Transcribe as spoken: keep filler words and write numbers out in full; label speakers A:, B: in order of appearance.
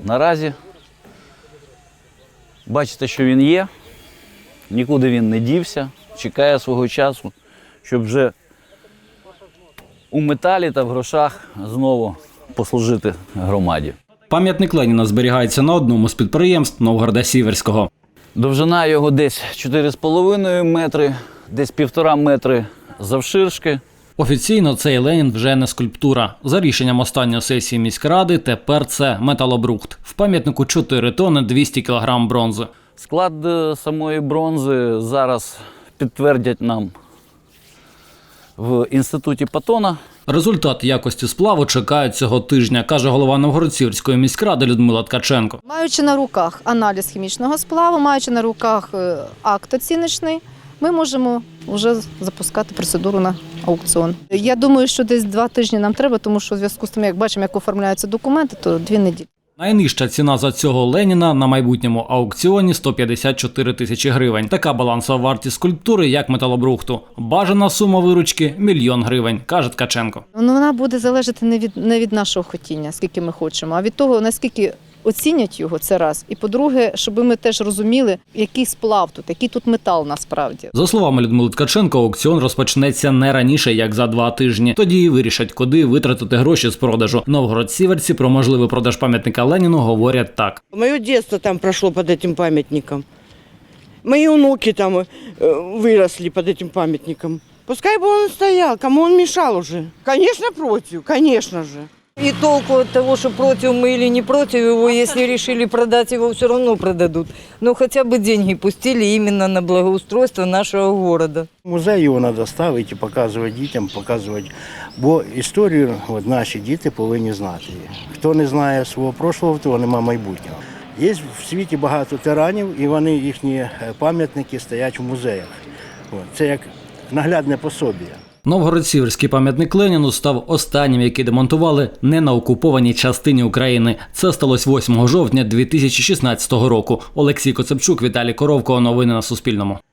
A: наразі бачите, що він є, нікуди він не дівся, чекає свого часу, щоб вже у металі та в грошах знову послужити громаді.
B: Пам'ятник Леніна зберігається на одному з підприємств Новгорода-Сіверського.
A: Довжина його десь чотири з половиною метри, десь півтора метри завширшки.
B: Офіційно цей Ленін вже не скульптура. За рішенням останньої сесії міськради тепер це металобрухт. В пам'ятнику чотири тонни двісті кілограм бронзи.
A: Склад самої бронзи зараз підтвердять нам в інституті Патона.
B: Результат якості сплаву чекають цього тижня, каже голова Новгород-Сіверської міськради Людмила Ткаченко.
C: Маючи на руках аналіз хімічного сплаву, маючи на руках акт оціночний, ми можемо вже запускати процедуру на аукціон. Я думаю, що десь два тижні нам треба, тому що в зв'язку з тим, як бачимо, як оформляються документи, то дві неділі.
B: Найнижча ціна за цього Леніна на майбутньому аукціоні – сто п'ятдесят чотири тисячі гривень. Така балансова вартість скульптури, як металобрухту. Бажана сума виручки – мільйон гривень, каже Ткаченко.
C: Ну, вона буде залежати не від, не від нашого хотіння, скільки ми хочемо, а від того, наскільки оцінять його, це раз. І по-друге, щоб ми теж розуміли, який сплав тут, який тут метал насправді.
B: За словами Людмили Ткаченко, аукціон розпочнеться не раніше, як за два тижні. Тоді і вирішать, куди витратити гроші з продажу. Новгород-Сіверці про можливий продаж пам'ятника Леніну говорять так.
D: Моє дитинство там пройшло під цим пам'ятником. Мої онуки там э, виросли під цим пам'ятником. Пускай бы он стоял, кому он мешал уже. Конечно, против, конечно же.
E: И толку от того, что против мы или не против его, если решили продать его, все равно продадут. Но хотя бы деньги пустили именно на благоустройство нашего города.
F: Музей його треба ставити і показувати дітям, показувати. Бо історію от, наші діти повинні знати. Хто не знає свого прошлого, того немає майбутнього. Є в світі багато тиранів, і вони, їхні пам'ятники стоять в музеях. От, це як наглядне пособіє.
B: Новгород-Сіверський пам'ятник Леніну став останнім, який демонтували не на окупованій частині України. Це сталося восьмого жовтня дві тисячі шістнадцятого року. Олексій Коцепчук, Віталій Коровко. Новини на Суспільному.